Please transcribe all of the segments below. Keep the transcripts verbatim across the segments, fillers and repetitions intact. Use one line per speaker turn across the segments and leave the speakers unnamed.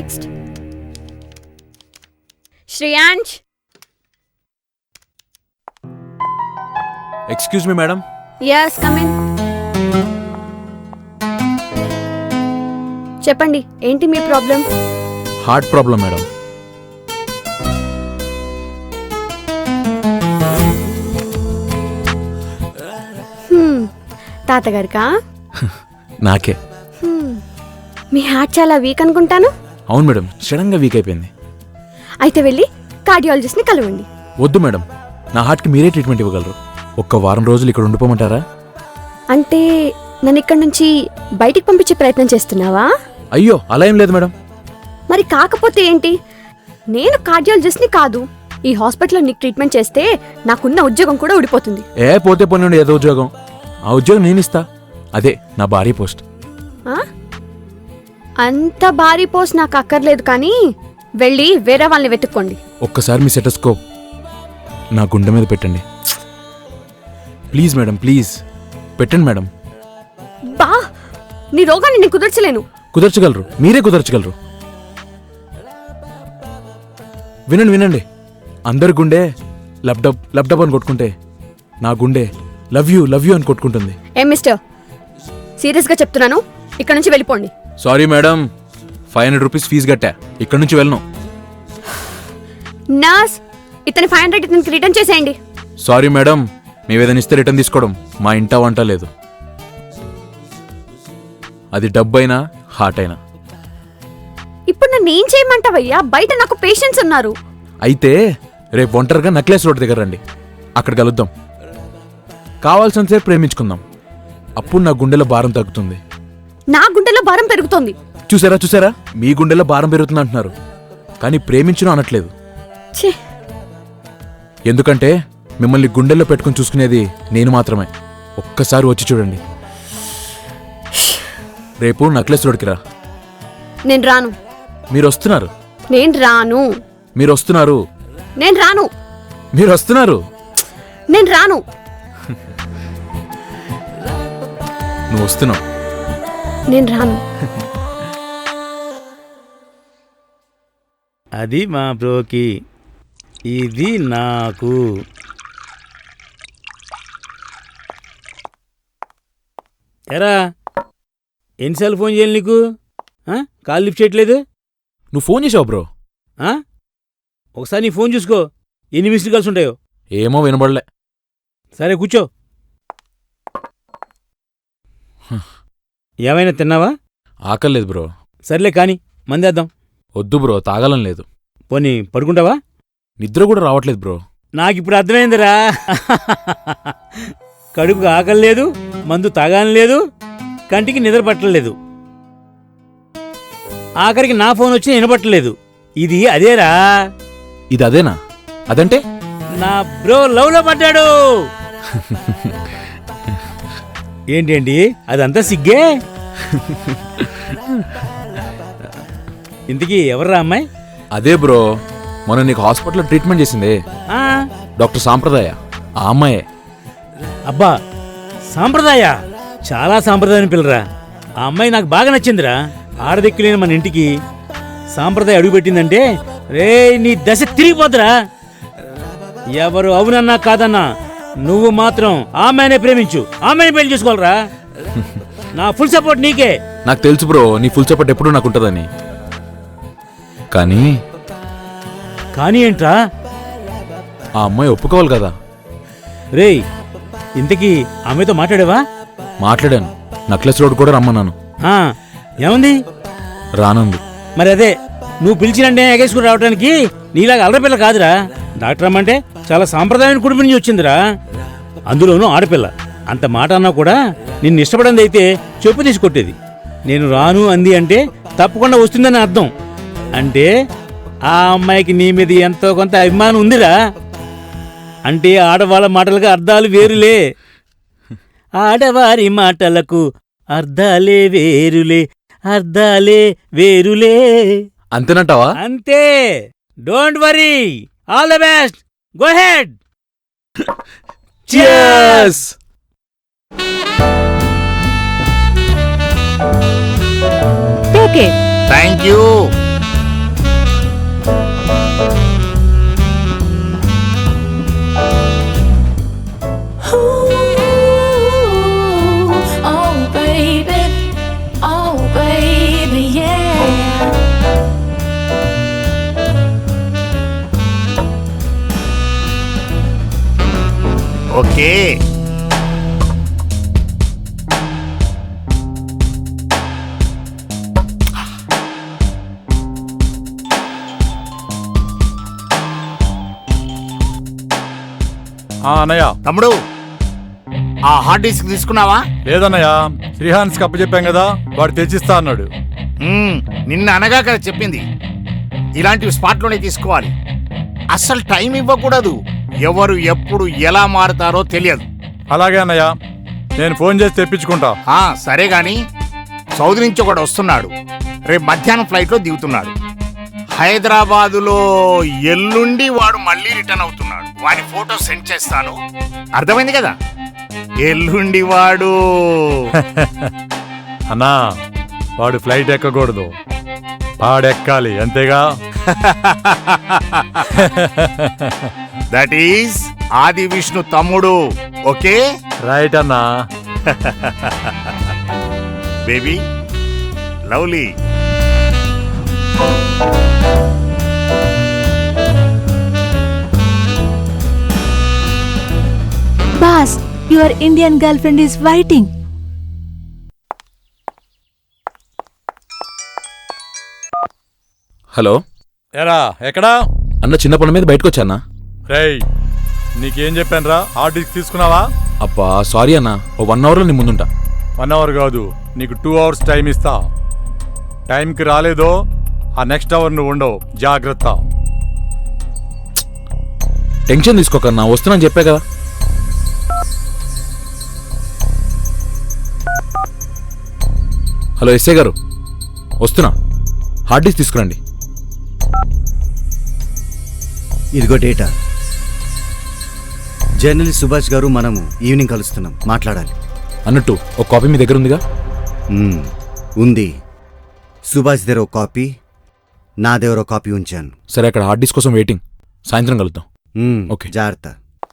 Next Shreyansh.
Excuse me madam.
yes come in. చెప్పండి, ఏంటి మీ ప్రాబ్లం?
Heart problem madam.
తాతగారికా?
నాకే.
మీ హార్ట్ చాలా వీక్ అనుకుంటాను.
అవును మేడం, సడన్ గా వీక్ అయిపోయింది.
అయితే వెళ్ళి కార్డియాలజిస్ట్ ని కలవండి.
వద్దు మేడం, నా హార్ట్ కి మీరే ట్రీట్మెంట్ ఇవ్వగలరు. ఒక్క వారం రోజులు ఇక్కడ ఉండిపోమంటారా?
అంటే నన్ను ఇక్కడ నుంచి బయటికి పంపించే ప్రయత్నం చేస్తున్నావా?
అయ్యో అలా ఏం లేదు మేడం.
మరి కాకపోతే ఏంటి? నేను కార్డియాలజిస్ట్ ని కాదు. ఈ హాస్పిటల్లో నీకు ట్రీట్మెంట్ చేస్తే నాకున్న ఉద్యోగం కూడా ఊడిపోతుంది.
ఏ పోతే పోనీ ఏదో ఉద్యోగం. ఆ ఉద్యోగం నేను ఇస్తా. అదే నా భారీ పోస్ట్.
అంత భారీ పోస్ట్ నాకు అక్కర్లేదు, కానీ వెళ్ళి వేరే వాళ్ళని వెతుక్కోండి.
ఒక్కసారి మీ సెటస్కోప్ నా గుండె మీద పెట్టండి ప్లీజ్ మేడం, ప్లీజ్ పెట్టండి మేడం.
బా, నీ రోగాన్ని నేను కుదర్చలేను.
కుదర్చగలరు, మీరే కుదర్చగలరు. వినండి వినండి, అందరి గుండె లబ్డబ్ లబ్డబ్ అని కొట్టుకుంటే నా గుండె లవ్ యూ లవ్ యూ అని కొట్టుకుంటుంది.
ఏం మిస్టర్, సీరియస్ గా చెప్తున్నాను, ఇక్కడ నుంచి వెళ్ళిపోండి.
Sorry madam, five hundred rupees fee కట్టా, ఇక్కడ నుంచి వెళ్ళను.
నర్స్, ఇతని ఫైవ్ హండ్రెడ్ ఇతనికి రిటర్న్ చేసేయండి.
సారీ మేడం, మేము ఏదైనా ఇస్తే రిటర్న్ తీసుకోవడం మా ఇంట వంట లేదు. అది డబ్బైనా హార్ట్ అయినా.
ఇప్పుడు నన్ను ఏం చేయమంటావయ్యా? బయట నాకు పేషెంట్స్ ఉన్నారు.
అయితే రేపు ఒంటరిగా నక్లెస్ రోడ్ దగ్గర రండి, అక్కడ కలుద్దాం. కావాల్సినంతసేపు ప్రేమించుకుందాం, అప్పుడు నా గుండెలో భారం తగ్గుతుంది.
నా గుండెలో భారం పెరుగుతోంది.
చూసారా చూసారా, మీ గుండెలో భారం పెరుగుతుంది అంటున్నారు, కానీ ప్రేమించను అనట్లేదు. ఎందుకంటే మిమ్మల్ని గుండెల్లో పెట్టుకుని చూసుకునేది నేను మాత్రమే. ఒక్కసారి వచ్చి చూడండి. రేపు నక్లెస్ రోడ్కి రా.
నేను రాను.
మీరు వస్తున్నారు.
నేను రాను.
మీరు వస్తున్నారు.
నేను రాను.
మీరు వస్తున్నారు.
నేను రాను.
నువ్వు వస్తున్నావు.
నేను రాను.
అది మా బ్రోకి, ఇది నాకు. ఎరా, ఎన్నిసార్లు ఫోన్ చేయాలి నీకు? కాల్ లిఫ్ట్ చేయట్లేదు.
నువ్వు ఫోన్ చేసావు బ్రో.
ఒకసారి నీ ఫోన్ చూసుకో, ఎన్ని మిస్డ్ కాల్స్ ఉంటాయో.
ఏమో వినబడలే.
సరే కూర్చో. ఏమైనా తిన్నావా?
ఆకలేదు బ్రో.
సర్లే కానీ మందేద్దాం.
వద్దు బ్రో, తాగలం లేదు.
పోనీ పడుకుంటావా?
నిద్ర కూడా రావట్లేదు బ్రో.
నాకిప్పుడు అర్థమైందిరా. కడుపుకు ఆకలి లేదు, మందు తాగాని లేదు, కంటికి నిద్ర పట్టలేదు, ఆఖరికి నా ఫోన్ వచ్చి వినపట్టలేదు. ఇది అదేరా.
ఇది అదేనా? అదంటే
నా బ్రో లవ్ లో పడ్డాడు. ఏంటండి అదంతా సిగ్గే? ఇంతకీ ఎవర్రా అమ్మాయి?
అదే బ్రో, మొన్న నీకు హాస్పిటల్లో ట్రీట్మెంట్ చేసిందే డాక్టర్ సాంప్రదాయ, ఆ అమ్మాయే.
అబ్బా, సాంప్రదాయ చాలా సాంప్రదాయాన్ని పిల్లరా. ఆ అమ్మాయి నాకు బాగా నచ్చిందిరా. ఆడదిక్కులేని మన ఇంటికి సాంప్రదాయ అడుగుపెట్టిందంటే రే నీ దశ తిరిగిపోతురా. ఎవరు అవునన్నా కాదన్నా నువ్వు మాత్రం ఆమెనే ప్రేమించు, ఆమెనే పెళ్లి చేసుకోవాలరా. నా ఫుల్ సపోర్ట్ నీకే.
నాకు తెలుసు బ్రో, నీ ఫుల్ సపోర్ట్ ఎప్పుడు నాకు ఉంటుందని. కానీ
కానీ ఏంట్రా?
ఆ అమ్మాయి ఒప్పుకోవాలి కదా.
రేయ్, ఇంతకీ ఆమెతో మాట్లాడావా?
మాట్లాడాను, నక్లెస్ రోడ్ కూడా రమ్మన్నాను.
ఏముంది?
రానుంది.
మరి అదే, నువ్వు పిలిచినంటే ఎగేసుకుని రావడానికి నీలాగా అల్లపిల్ల కాదురా. డాక్టర్ అమ్మంటే చాలా సాంప్రదాయాన్ని కుటుంబం నుంచి వచ్చిందిరా, అందులోనూ ఆడపిల్ల. అంత మాట అన్నా కూడా నిన్ను ఇష్టపడింది అయితే చెప్పు తీసి కొట్టేది. నేను రాను అంది అంటే తప్పకుండా వస్తుందని అర్థం. అంటే ఆ అమ్మాయికి నీ మీద ఎంతో కొంత అభిమానం ఉందిరా. అంటే ఆడవాళ్ళ మాటలకు అర్థాలు వేరులే, ఆడవారి మాటలకు అర్థాలే వేరులే, అర్థాలే వేరులే.
అంతేనంటావా?
అంతే. Don't worry, all the best, go ahead.
Cheers!
Take it.
Thank you. Okay.
ఆ అన్నయ్య.
తమ్ముడు, ఆ హార్డ్ డిస్క్ తీసుకున్నావా?
లేదన్నయ్య, శ్రీహాన్స్ కప్ప చెప్పాం కదా, వాడు తెచ్చిస్తా అన్నాడు.
మ్మ్, నిన్న అనగా కదా చెప్పింది, ఇలాంటివి స్పాట్లోనే తీసుకోవాలి. అస్సలు టైం ఇవ్వకూడదు. ఎవరు ఎప్పుడు ఎలా మారుతారో తెలియదు.
అలాగే అన్నయ్య, నేను ఫోన్ చేసి తెప్పించుకుంటా.
ఆ, సరే గాని సౌదీ నుంచి ఒకడు వస్తున్నాడు. రేపు మధ్యాహ్నం ఫ్లైట్లో దిగుతున్నాడు. హైదరాబాదులో ఎల్లుండి వాడు మళ్ళీ రిటర్న్ అవుతున్నాడు. వాడి ఫోటో సెండ్ చేస్తాను, అర్థమైంది కదా? ఎల్లుండి వాడు
అన్నా, వాడు ఫ్లైట్ ఎక్కకూడదు, వాడెక్కాలి, అంతేగా?
దట్ ఈస్ ఆది విష్ణు తమ్ముడు. ఓకే
రైట్ అన్నా.
Baby lovely.
Boss, your Indian girlfriend is waiting.
Hello
ఎరా ఎక్కడా?
అన్న, చిన్న పని మీద బయటకు వచ్చానా?
రేయ్, నీకేం చెప్పాను రా? హార్డ్ డిస్క్ తీసుకున్నావా?
అబ్బా సారీ అన్న, ఓ వన్ అవర్లో నీ ముందుంటా.
వన్ అవర్ కాదు, నీకు టూ అవర్స్ టైం ఇస్తా. టైంకి రాలేదో ఆ నెక్స్ట్ అవర్ నువ్వు ఉండవు, జాగ్రత్త.
టెన్షన్ తీసుకోకన్నా, వస్తున్నాను చెప్పా కదా. హలో ఎస్ఐ గారు, వస్తున్నా, హార్డ్ డిస్క్ తీసుకురండి.
ఇదిగో డేటా. జర్నలిస్ట్ సుభాష్ గారు మనము ఈవినింగ్ కలుస్తున్నాం, మాట్లాడాలి.
అన్నట్టు ఒక కాపీ మీ దగ్గర ఉందిగా?
మ్మ్, ఉంది. సుభాష్ దగ్గర ఒక కాపీ, నా దగ్గర ఒక కాపీ ఉంచాను.
సరే, అక్కడ హార్డ్ డిస్క్ కోసం వెయిటింగ్. సాయంత్రం కలుద్దాం.
మ్మ్,
ఓకే.
జాగ్రత్త.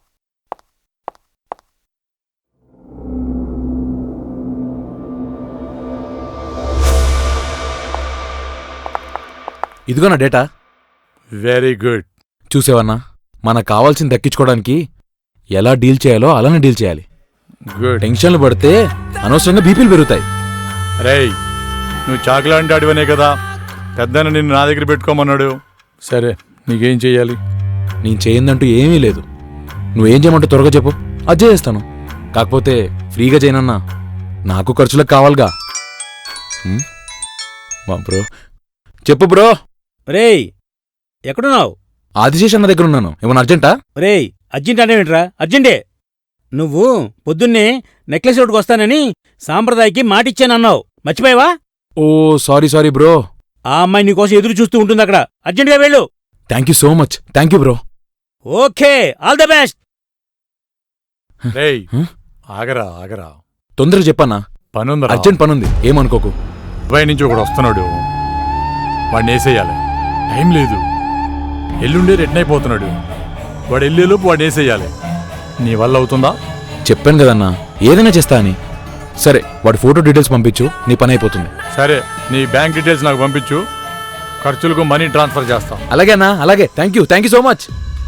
ఇదిగో నా డేటా.
Very good.
చూసేవన్నా, మనకు కావాల్సింది దక్కించుకోవడానికి ఎలా డీల్ చేయాలో అలానే డీల్ చేయాలి.
గుడ్.
టెన్షన్లు పడితే అనవసరంగా బీపీలు పెరుగుతాయి.
రేయ్, నువ్వు చాకులాంటి అడివనే కదా పెద్దన్న నిన్ను నా దగ్గర పెట్టుకోమన్నాడు. సరే, నీకేం చెయ్యాలి?
నేను చేయిందంటూ ఏమీ లేదు. నువ్వేం చేయమంటూ త్వరగా చెప్పు, అది చేస్తాను. కాకపోతే ఫ్రీగా చేయనన్నా, నాకు ఖర్చులకు కావాలిగా. హ్మ్? మా బ్రో చెప్పు బ్రో.
రేయ్, ఎక్కడున్నావు?
ఆదిశేష్ అన్న దగ్గర ఉన్నాను. ఏమన్నా అర్జెంటా?
రేయ్, అర్జెంట్ అనేవిట్రా? అర్జెంటే. నువ్వు పొద్దున్నే నెక్లెస్ రోడ్డుకు వస్తానని సాంప్రదాయకి మాటిచ్చానన్నావు, మర్చిపోయావా?
Oh sorry sorry bro.
ఆ అమ్మాయి నీకోసం ఎదురు చూస్తూ ఉంటుంది అక్కడ. అర్జెంటుగా వెళ్ళు.
Thank you so much. Thank you bro.
Okay, all the best.
రేయ్,
హ్మ్?
ఆగరా ఆగరా,
తొందరగా చెప్పన్నా,
పనుందా?
అర్జెంట్ పనుంది, ఏమనుకోకు.
దుబాయ్ నుంచి ఒకడు వస్తున్నాడు, వాడిని వేసేయాలి. టైం లేదు, ఎల్లుండే రిటర్న్ అయిపోతున్నాడు. వాడు వెళ్ళేలోపు వాడిని వేసేయాలి. నీ వల్ల అవుతుందా?
చెప్పాను కదన్నా, ఏదైనా చేస్తా అని. సరే, వాడి ఫోటో డీటెయిల్స్ పంపించు, నీ పని అయిపోతుంది.
సరే, నీ బ్యాంక్ డీటెయిల్స్ నాకు పంపించు, ఖర్చులకు మనీ ట్రాన్స్ఫర్ చేస్తాం.
అలాగే అన్నా, అలాగే. Thank you thank you so much.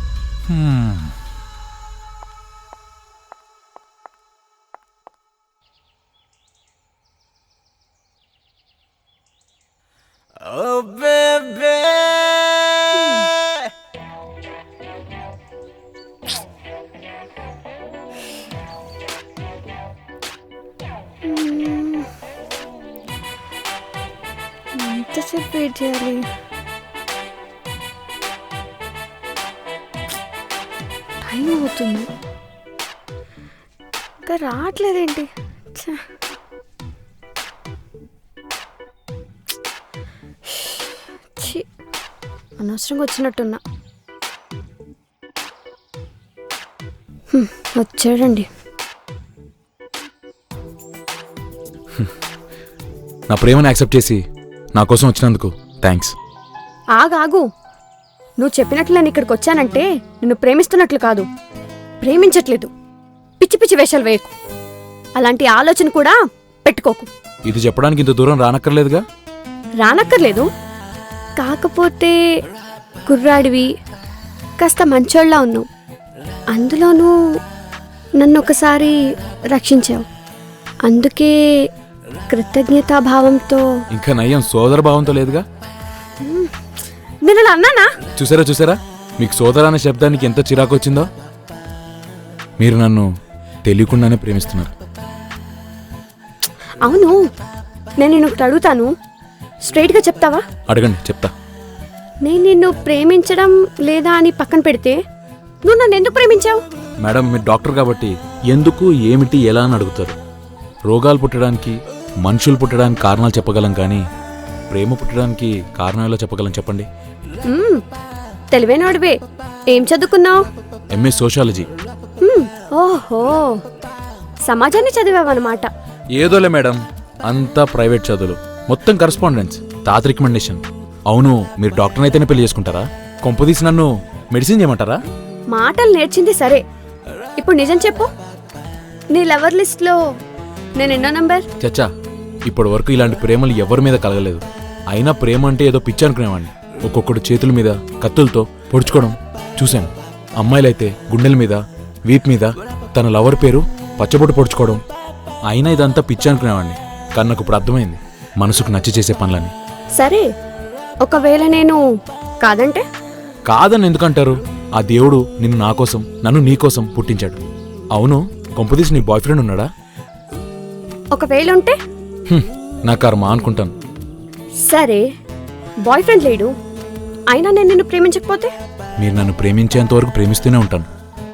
ఎంతసేపు వెయిట్ చేయాలి? టైం అవుతుంది, ఇంకా రావట్లేదేంటి? ఛ. ఛీ, అనవసరంగా వచ్చినట్టున్నా. హ్మ్, వచ్చాడండి.
నా ప్రేమను యాక్సెప్ట్ చేసి నా కోసం వచ్చినందుకు థ్యాంక్స్.
ఆగాగు, నువ్వు చెప్పినట్లు నేను ఇక్కడికి వచ్చానంటే నిన్ను ప్రేమిస్తున్నట్లు కాదు, ప్రేమించట్లేదు. పిచ్చి పిచ్చి వేషాలు వేయకు, అలాంటి ఆలోచన కూడా పెట్టుకోకు.
ఇది చెప్పడానికి ఇంత దూరం రానక్కర్లేదుగా.
రానక్కర్లేదు, కాకపోతే కుర్రాడివి, కాస్త మంచోళ్ళ ఉన్నావు. అందులోనూ నన్ను ఒకసారి రక్షించావు, అందుకే కృతజ్ఞతాభావంతో.
ఇంకా నయ్యం సోదర భావంతో లేదుగా.
నేను అలా అన్నానా?
చూసారా చూసారా మీకు సోదర అనే శబ్దానికి ఎంత చిరాకు వచ్చిందో. మీరు నన్ను తెలియకుండానే ప్రేమిస్తున్నారు.
అవును, నేను నిన్ను ఒకటి అడుగుతాను, స్ట్రైట్గా చెప్తావా?
అడగండి, చెప్తా.
నేను నిన్ను ప్రేమించడం లేదా అని పక్కన పెడితే నువ్వు నన్ను ఎందుకు ప్రేమించావు?
మేడం, మీరు డాక్టర్ కాబట్టి ఎందుకు, ఏమిటి, ఎలా అని అడుగుతారు. రోగాలు పుట్టడానికి, మనుషులు పుట్టడానికి కారణాలు చెప్పగలం, కానీ ప్రేమ పుట్టడానికి కారణాలు చెప్పగలం చెప్పండి.
మ్మ్, తెలివైనవాడివే. ఏం చదువుకున్నావు?
MA sociology.
మ్మ్, ఓహో, సమాజాన్ని చదివావన్నమాట.
ఏదోలే మేడం, అంతా ప్రైవేట్ చదువులు, మొత్తం కరస్పాండెన్స్, తాత రికమెండేషన్. అవును, మీరు డాక్టర్ అయితేనే పెళ్లి చేసుకుంటారా? కొంపదీసి నన్ను మెడిసిన్ చేయమంటారా?
మాటలు నేర్చింది సరే, ఇప్పుడు నిజం చెప్పు, నీ లవర్ లిస్ట్లో నేను ఎన్నో నంబర్?
చచ్చా, ఇప్పటి వరకు ఇలాంటి ప్రేమలు ఎవరి మీద కలగలేదు. అయినా ప్రేమ అంటే ఏదో పిచ్చి అనుకునేవాడిని. ఒక్కొక్కడు చేతుల మీద కత్తులతో పొడుచుకోవడం చూశాను. అమ్మాయిలైతే గుండెల మీద, వీప్ మీద తన లవర్ పేరు పచ్చబొట్టు పొడుచుకోవడం. అయినా ఇదంతా పిచ్చి అనుకునేవాడిని, కానీ నాకు ఇప్పుడు అర్థమైంది మనసుకు నచ్చి చేసే పనులని.
సరే, ఒకవేళ నేను కాదంటే?
కాదని ఎందుకంటారు? ఆ దేవుడు నిన్ను నా కోసం, నన్ను నీ కోసం పుట్టించాడు. అవును, కొంపదీసి నీ బాయ్ ఫ్రెండ్ ఉన్నాడా?
ఒకవేళ ఉంటే?
హ్మ్, నా కర్మ అనుకుంటాను.
సరే, బాయ్ ఫ్రెండ్ లేడు, అయినా నేను నిన్ను ప్రేమించకపోతే?
మీరు నన్ను ప్రేమించేంత వరకు ప్రేమిస్తూనే ఉంటాను.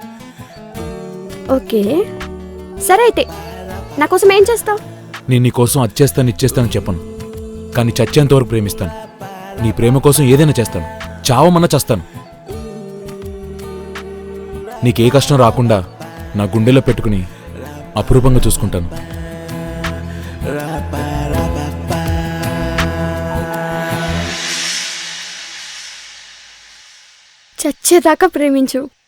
ఓకే, సరే అయితే నా కోసం ఏం చేస్తావు?
నేను నీ కోసం అచ్చేస్తాను ఇచ్చేస్తాను చెప్పను, కానీ చచ్చేంత వరకు ప్రేమిస్తాను. నీ ప్రేమ కోసం ఏదైనా చేస్తాను, చావమన్నా చేస్తాను. నీకే కష్టం రాకుండా నా గుండెలో పెట్టుకుని అపురూపంగా చూసుకుంటాను.
చచ్చేదాకా ప్రేమించు.